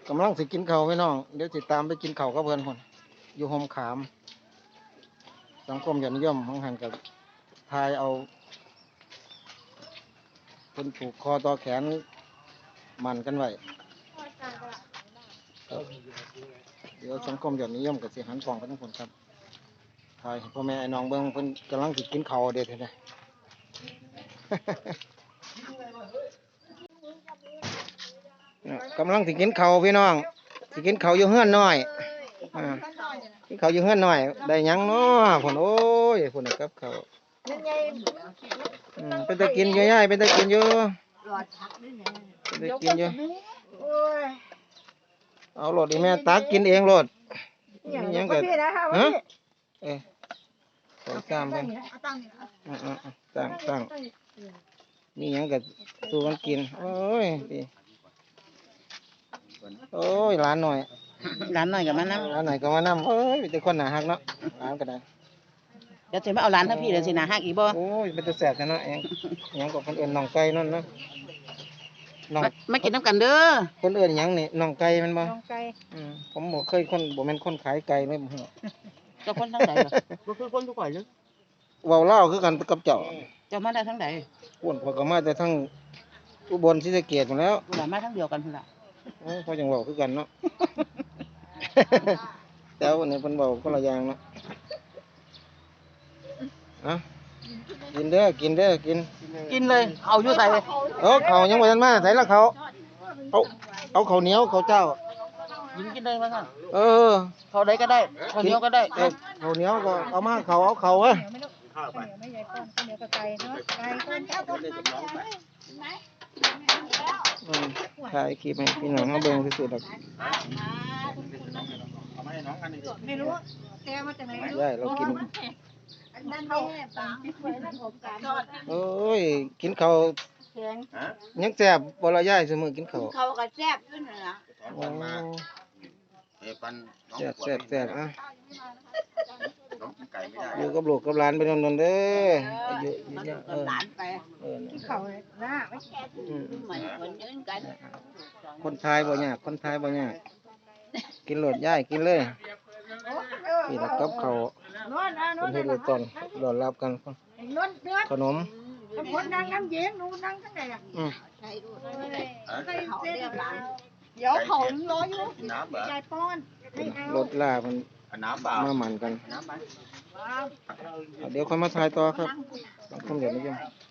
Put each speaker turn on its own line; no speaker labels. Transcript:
กำลังสิกินข้าวพี่น้องเดี๋ยวสิตามไปกินข้าวกับเพื่อนคนอยู่โฮมขามสังคมยอดนิยมของหันกับทายเอาคนผูกคอต่อแขนมันกันไว้เดี๋ยวสังคมยอดนิยมกับสิหันกล่องกันทั้งคนครับทายพ่อแม่ไอ้น้องเบิ้งเพิ่นกำลังสิกินข้าวเด็ดเลย กำลังสิกินข้าวพี่น้องสิกินข้าวอยู่เฮือนน้อยกินข้าวอยู่เฮือนน้อยได้หยังเนาะผลโอ้ยผลกับข้าวเป็นตะกินอยู่ย่ายเป็นตะกินอยู่เป็นตะกินอยู่เอาโหลดอีแม่ตักกินเองโหลดนี่ยังเกิดฮะใส่ซ้ำไปตั้งนี่ยังเกิดสู้กันกินโอ้ยดีโอ้ยร้านหน่อย
กับมันนะ
ร้านหน่อยก็มานั่งโอ้ยเป็นคนหนาฮักเนาะร้านก็ได้
เดี๋ยวจะมาเอาร้านถ้าพี่เดี๋ยวสินะฮักอีกบ่
โอ้ยเป็นตัวแสบกันเนาะยังกับคนอื่นน้องไก่นั่นเนาะ
มากินน้ำกันเด้อ
คนอื่นยังนี่น้องไก่มันบ่
น้องไก่
ผมบ่เคยคนบ่แม่นคนขายไก่เลยบ่ฮู้
เจ้าคนทั้งใดบ่คือคนทุกข่อยเลย
เว้าลาวคือกันกับเจ้า
มาได้ทั้งใด
อ้วนพอก็มาแต่ทั้งอุบลศรีสะเกษหมดแล้ว
กูมาทั้งเดียวกันพุ่นล่ะ
พอจังเว้าคือกันเนาะ แต่วันนี้เพิ่นเว้าคนละอย่างเนาะกินเด้อกิน
เลยเอาอยู่ใส่
เขายังบ่ทันมาใส่ละเขาเอาข้าวเหนียวข้าวเจ้า
กินได้มั้งเขาได้ก็ได้ข้าวเหนียวก็ได้
ข้าวเหนียวก็เอามาเขาเอาเขา
ข้าวไม่ใหญ่ป้อนข้าวเหนียวกับไก่เนาะไก่ต้นเจ้าต้น
ถ่ายคลิปให้พี่น้องมาเบิ่งซื่อๆดอก
ไม่รู้แกมาจากไหน
ได้เรากิน
นั่นแหละปากที่เคยนั่นผมการ
โอ้ยกินข้าวยังแซ่บบ่ละยายซุมื้อกินข้าว
เขาก็แซ่บอยู่นั่นล่ะ
โอ้แซ่บอ่ะอยู่กับลูกกับหลานไปนอนๆเด้ออยู่
หลานไปเขาหน้าไม่แค่คนยืนกัน
คนไทยบ่ยากกินโลดยายกินเลยนี่แหละกับข้าวคนเฮ็ดเลยตอนรอรับกันขนม
คนนั่งน้ำเย็นหนูนั่งทั้งไหนอ่ะเดี๋ยวเขารออยู่ยายป้อน
รถลามันมาหมั่นกันเดี๋ยวค่อยมาถ่ายต่อครับสังคมเดี๋ยวนี้ยัง